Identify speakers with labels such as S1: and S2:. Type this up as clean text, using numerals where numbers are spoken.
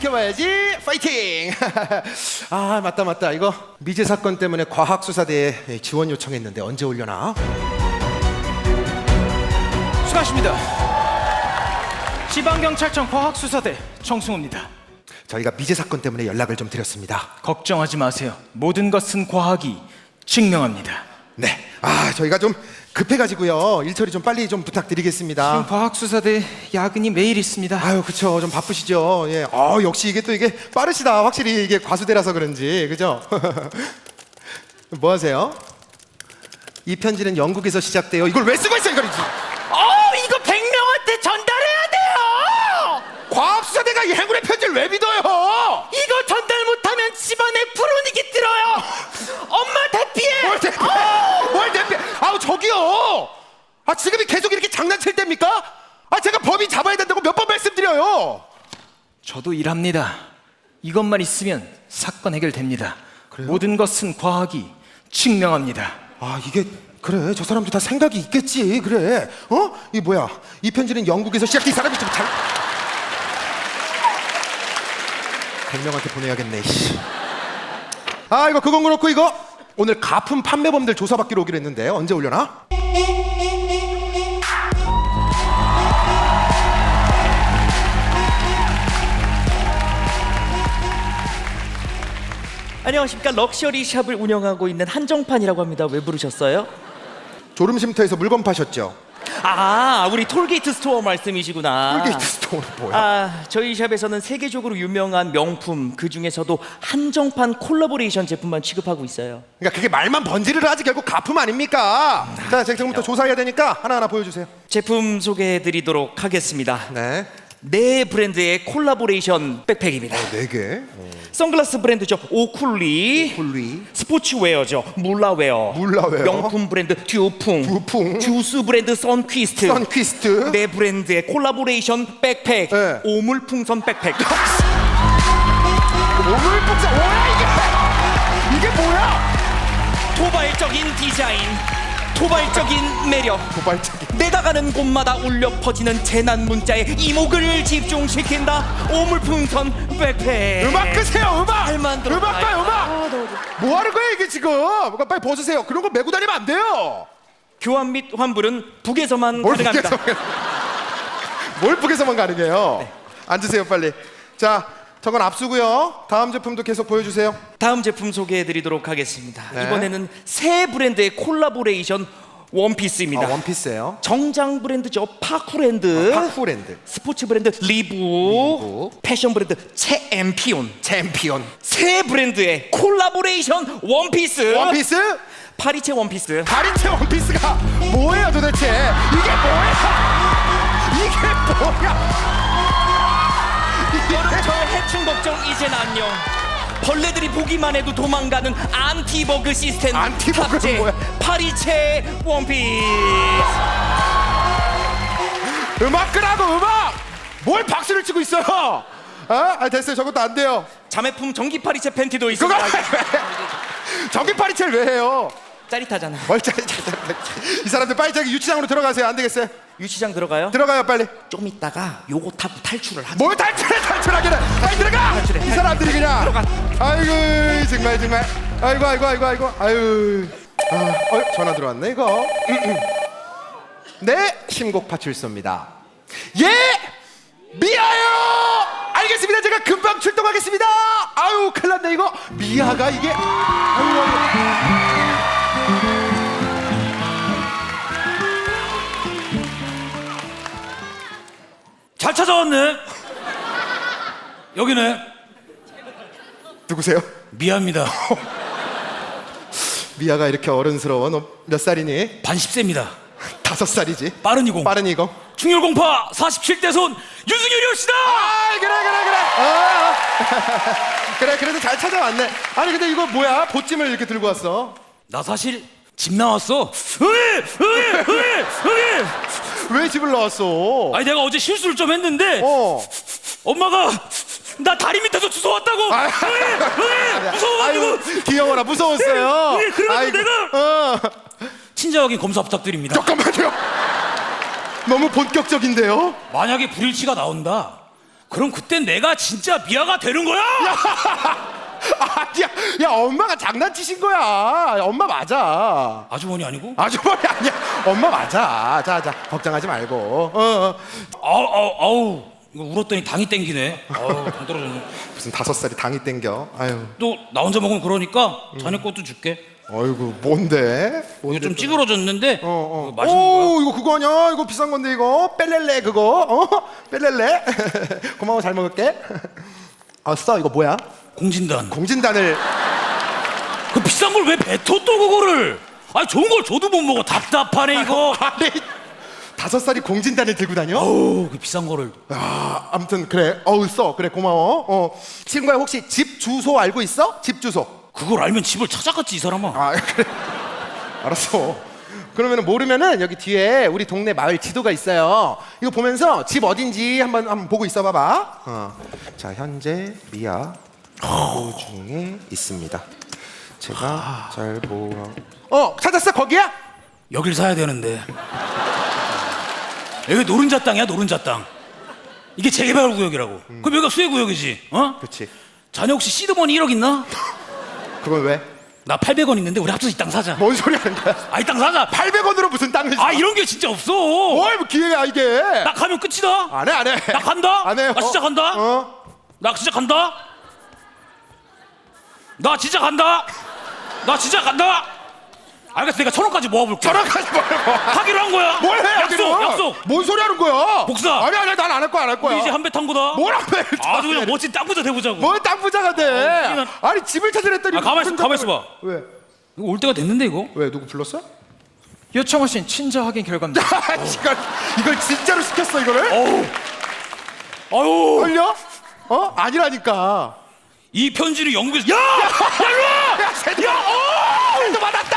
S1: 지켜봐야지. 파이팅. 아 맞다 이거 미제 사건 때문에 과학수사대에 지원 요청했는데 언제 올려나?
S2: 수고하십니다. 지방경찰청 과학수사대 정승호입니다.
S1: 저희가 미제 사건 때문에 연락을 좀 드렸습니다.
S2: 걱정하지 마세요. 모든 것은 과학이 증명합니다.
S1: 네. 아 저희가 좀 급해가지고요. 일 처리 좀 빨리 좀 부탁드리겠습니다.
S2: 지금 과학수사대 야근이 매일 있습니다.
S1: 아유 그쵸 좀 바쁘시죠. 예. 역시 이게 빠르시다. 확실히 이게 과수대라서 그런지 그죠? 뭐 하세요? 이 편지는 영국에서 시작돼요. 이걸 왜 쓰고 있어 이걸?
S2: 이거 100명한테 전달해야 돼요.
S1: 과학수사대가 이 행운의 편지를 왜 믿어요?
S2: 이거 전달 못하면 집안에 불운이기 들어요. 엄마 대피해.
S1: 뭘 대피? 아우 저기요. 지금이 계속 이렇게 장난칠 때입니까? 제가 범인 잡아야 된다고 몇 번 말씀드려요.
S2: 저도 일합니다. 이것만 있으면 사건 해결됩니다.
S1: 그래요?
S2: 모든 것은 과학이 증명합니다.
S1: 이게 그래 저 사람도 다 생각이 있겠지. 그래 이 뭐야 이 편지는 영국에서 시작된 이 사람이 좀 잘 100명한테 보내야겠네. 이거 그건 그렇고 이거 오늘 가품 판매범들 조사받기로 오기로 했는데 언제 올려나?
S3: 안녕하십니까. 럭셔리 샵을 운영하고 있는 한정판이라고 합니다. 왜 부르셨어요?
S1: 졸음쉼터에서 물건 파셨죠?
S3: 우리 톨게이트 스토어 말씀이시구나.
S1: 톨게이트 스토어는 뭐야?
S3: 저희 샵에서는 세계적으로 유명한 명품, 그 중에서도 한정판 콜라보레이션 제품만 취급하고 있어요.
S1: 그러니까 그게 말만 번지르르 하지 결국 가품 아닙니까? 자 지금부터 조사해야 되니까 하나하나 보여주세요.
S3: 제품 소개해드리도록 하겠습니다.
S1: 네.
S3: 네 브랜드의 콜라보레이션 백팩입니다.
S1: 4개.
S3: 선글라스 브랜드죠, 오쿨리. 스포츠웨어죠, 물라웨어. 명품 브랜드 듀풍. 주스 브랜드 선퀴스트. 네 브랜드의 콜라보레이션 백팩.
S1: 네.
S3: 오물풍선 백팩.
S1: 오물풍선 뭐야 이게 뭐야?
S3: 도발적인 디자인, 도발적인 매력, 내다가는 곳마다 울려 퍼지는 재난 문자에 이목을 집중시킨다. 오물풍선 백팩.
S1: 음악 끄세요.
S3: 잘 만들어.
S1: 음악 봐요. 뭐 하는 거예요 이게 지금? 빨리 벗으세요. 그런 거 메고 다니면 안 돼요.
S3: 교환 및 환불은 북에서만 가능합니다.
S1: 뭘 북에서만 가능해요? 네. 앉으세요 빨리. 자 저건 압수고요. 다음 제품도 계속 보여주세요.
S3: 다음 제품 소개해드리도록 하겠습니다.
S1: 네.
S3: 이번에는 새 브랜드의 콜라보레이션 원피스입니다.
S1: 원피스예요.
S3: 정장 브랜드죠, 파쿠랜드. 스포츠 브랜드 리브. 패션 브랜드 챔피온. 새 브랜드의 콜라보레이션 원피스. 파리채 원피스.
S1: 파리채 원피스가 뭐예요 도대체? 이게 뭐야?
S3: 여름철 해충 걱정 이젠 안녕. 벌레들이 보기만 해도 도망가는 안티버그 시스템 탑재
S1: 뭐야?
S3: 파리채 원피스.
S1: 음악 끄라고 음악! 뭘 박수를 치고 있어요? 됐어요. 저것도 안 돼요.
S3: 자매품 전기 파리채 팬티도 있습니다.
S1: 전기 파리채를 왜 해요?
S3: 짜릿하잖아.
S1: 뭘 짜릿? 이 사람들 빨리 저기 유치장으로 들어가세요. 안 되겠어요?
S3: 유치장 들어가요?
S1: 들어가요 빨리.
S3: 좀 있다가 요거 타고 탈출을 하자.
S1: 뭘 탈출하기는? 빨리 들어가! 이 사람들이 그냥.
S3: 들어가.
S1: 아이고 정말. 아이고. 전화 들어왔네 이거. 네, 신곡 파출소입니다. 예, 미아요. 알겠습니다. 제가 금방 출동하겠습니다. 아유, 큰일났네 이거. 미아가 이게. 아유.
S4: 잘 찾아왔네. 여기네.
S1: 누구세요?
S4: 미아입니다.
S1: 미아가 이렇게 어른스러워. 너 몇 살이니?
S4: 반 10세입니다.
S1: 5살이지.
S4: 빠른 20. 충혈 공파 47대 손 유승열이옵시다.
S1: 그래. 그래도 잘 찾아왔네. 아니 근데 이거 뭐야? 보찜을 이렇게 들고 왔어.
S4: 나 사실 집 나왔어.
S1: 왜 집을 나왔어?
S4: 아니 내가 어제 실수를 좀 했는데 엄마가 나 다리 밑에서 주워왔다고. 무서워가지고.
S1: 아유, 귀여워라. 무서웠어요.
S4: 그래가지고 내가 친절하게 검사 부탁드립니다.
S1: 잠깐만요. 너무 본격적인데요?
S4: 만약에 불일치가 나온다. 그럼 그땐 내가 진짜 미아가 되는 거야?
S1: 아니야, 야 엄마가 장난치신 거야. 엄마 맞아.
S4: 아주머니 아니고?
S1: 아주머니 아니야. 엄마 맞아. 자 걱정하지 말고.
S4: 아우 이거 울었더니 당이 땡기네. 아우 당 떨어졌네.
S1: 무슨 5살이 당이 땡겨. 아유.
S4: 또 나 혼자 먹으면 그러니까 자네 것도 줄게.
S1: 어이구 뭔데?
S4: 이거 좀 찌그러졌는데 이거 맛있는 거야.
S1: 오 이거 그거 아니야? 이거 비싼 건데 이거 뺄렐레 그거. 뺄렐레. 고마워 잘 먹을게. 써 이거 뭐야?
S4: 공진단.
S1: 공진단을.
S4: 그 비싼 걸 왜 뱉어 또 그거를? 아니 좋은 걸 줘도 못 먹어. 답답하네 이거.
S1: 아니 5살이 공진단을 들고 다녀?
S4: 어우 그 비싼 거를.
S1: 아무튼 그래. 써 그래 고마워. 친구야 혹시 집 주소 알고 있어? 집 주소.
S4: 그걸 알면 집을 찾아갔지 이 사람아.
S1: 아 그래. 알았어. 그러면 모르면은 여기 뒤에 우리 동네 마을 지도가 있어요. 이거 보면서 집 어딘지 한번 보고 있어 봐봐. 자 현재 미아 도중에 있습니다. 제가 잘 찾았어 거기야?
S4: 여길 사야 되는데. 여기 노른자 땅이야 노른자 땅. 이게 재개발 구역이라고. 그럼 여기가 수혜 구역이지.
S1: 그렇지.
S4: 자네 혹시 시드머니 1억 있나?
S1: 그건 왜?
S4: 나 800원 있는데 우리 합쳐서 이 땅 사자.
S1: 뭔 소리 하는 거야?
S4: 아 이 땅 사자.
S1: 800원으로 무슨 땅을 사?
S4: 아 이런 게 진짜 없어.
S1: 뭘 기회야 이게?
S4: 나 가면 끝이다.
S1: 안 해.
S4: 나 간다.
S1: 안 해요.
S4: 나 진짜 간다. 나 진짜 간다. 나 진짜 간다. 나 진짜 간다. 알겠어 내가 1,000원까지 모아볼게.
S1: 저랑까지 말고.
S4: 하기로 한 거야.
S1: 뭘 해?
S4: 약속.
S1: 뭔 소리 하는 거야?
S4: 복사.
S1: 아니 난 안 할 거야
S4: 우리 이제 한배 탄 거다.
S1: 뭘 한배?
S4: 아주 그냥 멋진 땅 부자 돼보자고.
S1: 뭘 땅 부자가 돼?
S4: 웃기는-
S1: 아니 집을 찾으랬더니.
S4: 가만 있어봐.
S1: 왜?
S4: 이거 올 때가 됐는데 이거.
S1: 왜 누구 불렀어?
S2: 요청하신 친자 확인 결과입니다.
S1: 이걸 진짜로 시켰어 이거를?
S4: 아유.
S1: 걸려? 아니라니까.
S4: 이 편지를 영국에서. 야! 야!
S1: 야, 새끼야! 또 받았다!